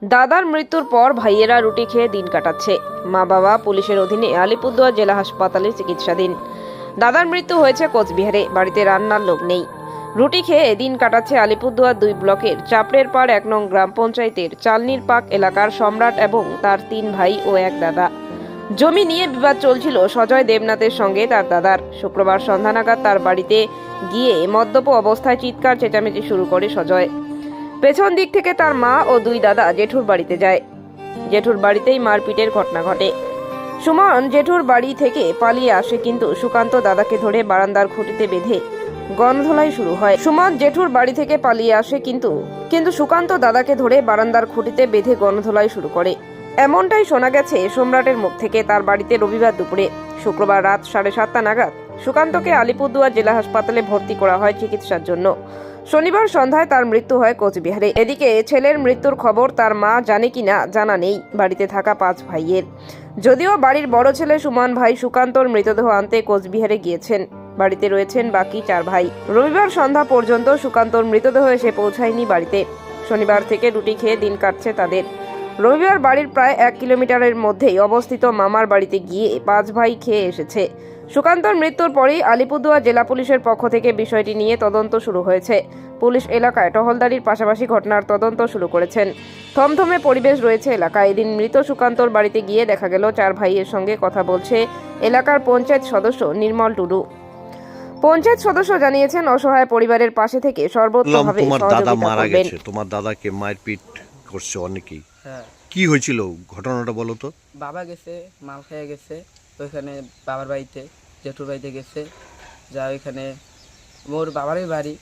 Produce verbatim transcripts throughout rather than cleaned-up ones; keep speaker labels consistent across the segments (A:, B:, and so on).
A: দাদার মৃত্যুর পর ভাইয়েরা রুটি খেয়ে দিন কাটাচ্ছে। মা বাবা পুলিশের অধীনে আলিপুরদুয়ার জেলা হাসপাতালে চিকিৎসাধীন। দাদার মৃত্যু হয়েছে কোচবিহারে, বাড়িতে রান্নার লোক নেই। রুটি খেয়ে দিন কাটাচ্ছে আলিপুরদুয়ার দুই ব্লকের চাপড়ের পাড় এক নং গ্রাম পঞ্চায়েতের চালনির পাক এলাকার সম্রাট এবং তার তিন ভাই ও এক দাদা। জমি নিয়ে বিবাদ চলছিল সজয় দেবনাথের সঙ্গে তার দাদার। শুক্রবার সন্ধ্যা নাগাদ তার বাড়িতে গিয়ে মদ্যপ অবস্থায় চিৎকার চেঁচামেচি শুরু করে সজয়। পেছন দিক থেকে তার মা ও দুই দাদা জেঠুর বাড়িতে যায়। জেঠুর বাড়িতেই মারপিটের ঘটনা ঘটে। সুমন জেঠুর বাড়ি থেকে পালিয়ে আসে, কিন্তু সুকান্ত দাদাকে ধরে বারান্দার খুঁটিতে বেঁধে গণধোলাই শুরু হয়। সুমন জেঠুর বাড়ি থেকে পালিয়ে আসে কিন্তু কিন্তু সুকান্ত দাদাকে ধরে বারান্দার খুঁটিতে বেঁধে গণধোলাই শুরু করে। এমনটাই শোনা গেছে সম্রাটের মুখ থেকে তার বাড়িতে রবিবার দুপুরে। শুক্রবার রাত সাড়ে সাতটা নাগাদ সুকান্তকে আলিপুরদুয়ার জেলা হাসপাতালে ভর্তি করা হয় চিকিৎসার জন্য। শনিবার সন্ধ্যায় তার মৃত্যু হয় কোচবিহারে। এদিকে ছেলের মৃত্যুর খবর তার মা জানে কিনা জানা নেই বাড়িতে থাকা পাঁচ ভাইয়ের। যদিও বাড়ির বড় ছেলে সুমন ভাই সুকান্তর মৃতদেহ আনতে কোচবিহারে গিয়েছেন, বাড়িতে রয়েছেন বাকি চার ভাই। রবিবার সন্ধ্যা পর্যন্ত সুকান্তর মৃতদেহ এসে পৌঁছায়নি বাড়িতে। শনিবার থেকে রুটি খেয়ে দিন কাটছে তাদের। রবিবার বাড়ির প্রায় এক কিলোমিটারের মধ্যেই অবস্থিত মামার বাড়িতে গিয়ে পাঁচ ভাই খেয়ে এসেছে। সুকান্তর মৃত্যুর পরেই আলিপুরদুয়ার জেলা পুলিশের পক্ষ থেকে বিষয়টি নিয়ে তদন্ত শুরু হয়েছে। পুলিশ এলাকায় টহলদারির পাশাপাশি ঘটনার তদন্ত শুরু করেছেন। থমথমে পরিবেশ রয়েছে এলাকায়। এদিন মৃত সুকান্তর বাড়িতে গিয়ে দেখা গেল চার ভাইয়ের সঙ্গে কথা বলছে এলাকার পঞ্চায়েত সদস্য নির্মল টুডু। পঞ্চায়েত সদস্য জানিয়েছেন অসহায় পরিবারের পাশে থেকে সর্বোত্তমভাবে সহযোগিতা করবেন।
B: তোমার দাদাকে মারপিট করছে অনেকেই,
C: হ্যাঁ।
B: কি হয়েছিল ঘটনাটা বলো তো?
C: বাবা গেছে, মাল খেয়ে গেছে ওইখানে বাবার বাড়িতে, জেঠুর বাড়িতে গেছে। যা ওইখানে মোর বাবারই বাড়ি।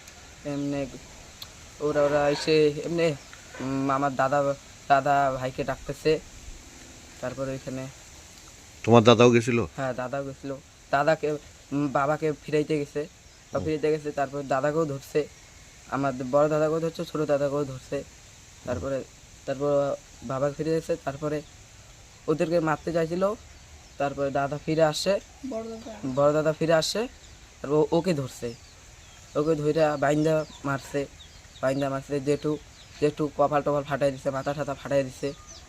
C: এমনি ওরা ওরা এসে এমনি আমার দাদা দাদা ভাইকে ডাকতেছে। তারপরে ওইখানে
B: তোমার দাদাও গেছিল?
C: হ্যাঁ, দাদাও গেছিলো। দাদাকে বাবাকে ফিরাইতে গেছে, বা ফিরাইতে গেছে। তারপর দাদাকেও ধরছে, আমার বড় দাদাকেও ধরছে, ছোটো দাদাকেও ধরছে। তারপরে তারপর বাবা ফিরে এসে তারপরে ওদেরকে মারতে চাইছিল। তারপরে দাদা ফিরে আসে, বড় দাদা ফিরে আসে, তারপর ওকে ধরছে, ওকে ধরে বাইন্দা মারছে বাইন্দা মারছে জেঠু জেঠু কপাল টপাল ফাটাই দিছে, মাথা ঠাতা ফাটাই দিছে।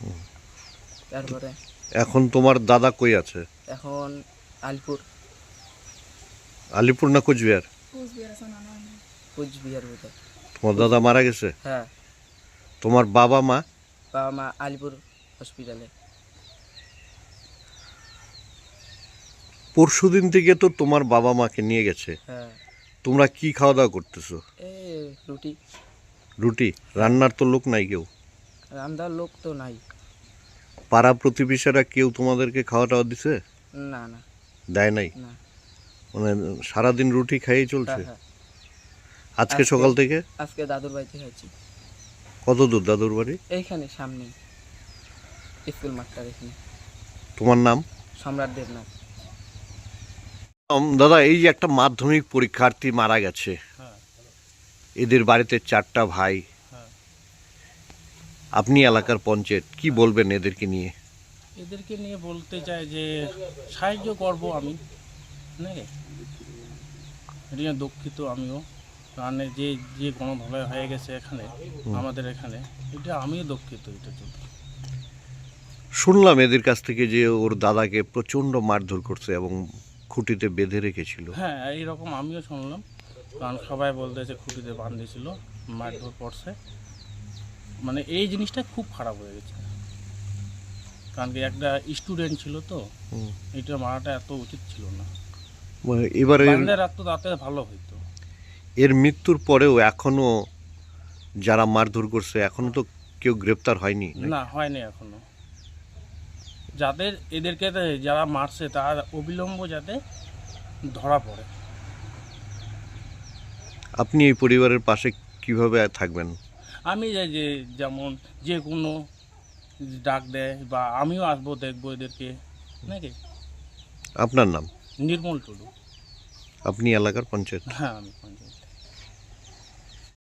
C: তারপরে
B: এখন তোমার দাদা কই আছে?
C: এখন আলিপুর।
B: আলিপুর না কোচবিহার?
C: কোচবিহার বোধহয়।
B: তোমার দাদা মারা গেছে?
C: হ্যাঁ।
B: তোমার বাবা মা?
C: বাবা মা আলিপুর হসপিটালে।
B: পরশুদিন থেকে তো তোমার বাবা মাকে নিয়ে গেছে।
C: হ্যাঁ।
B: তোমরা কি খাওয়া দাওয়া করতেছো?
C: এই রুটি।
B: রুটি? রান্নার তো লোক নাই কেউ?
C: রান্নার লোক তো নাই।
B: পাড়া প্রতিবেশীরা কেউ তোমাদেরকে খাওয়া টাওয়া দিছে?
C: না না,
B: দেয় নাই?
C: না।
B: মানে সারাদিন রুটি খাইয়ে চলছে?
C: হ্যাঁ, হ্যাঁ।
B: আজকে সকাল থেকে?
C: আজকে দাদুর বাড়িতে হয়েছি।
B: কত দূর দাদুর বাড়ি?
C: এইখানে সামনে স্কুল মাঠটার এখানে।
B: তোমার নাম?
C: সম্রাট দেবনাথ।
B: উম, দাদা, এই যে একটা মাধ্যমিক পরীক্ষার্থী মারা গেছে, এদের বাড়িতে চারটা ভাই, আপনি এলাকার পঞ্চায়েত, কি বলবেন এদেরকে নিয়ে?
D: এদেরকে নিয়ে বলতে চাই যে সাহায্য করব আমি, নাকি এটা দুঃখিত আমিও, কারণ যে যে গণধোলাই হয়ে গেছে এখানে আমাদের এখানে, এটা আমিও দুঃখিত এটার জন্য।
B: শুনলাম এদের কাছ থেকে যে ওর দাদাকে প্রচণ্ড মারধর করছে এবং খুঁটিতে বেঁধে রেখেছিল।
D: হ্যাঁ, এইরকম আমিও শুনলাম, কারণ সবাই বলতেছে খুঁটিতে বাঁধিয়েছিল, মারধর করছে। মানে এই জিনিসটা খুব খারাপ হয়ে গেছে, কারণ কি একটা স্টুডেন্ট ছিল তো, এটা মারাটা এত উচিত ছিল না।
B: এবারে
D: রাখতো তাতে ভালো হইতো।
B: এর মৃত্যুর পরেও এখনো যারা মারধর করছে এখনো তো কেউ গ্রেপ্তার হয়নি?
D: না, হয়নি এখনো। যাদের এদেরকে যারা মারছে তার অবিলম্ব যাতে ধরা পড়ে।
B: আপনি এই পরিবারের পাশে কিভাবে থাকবেন?
D: আমি যে যে যেমন যে কোনো ডাক দেয় বা আমিও আসবো, দেখবো এদেরকে, নাকি।
B: আপনার নাম?
D: নির্মল টুডু।
B: আপনি এলাকার পঞ্চায়েত?
D: হ্যাঁ, আমি পঞ্চায়েত।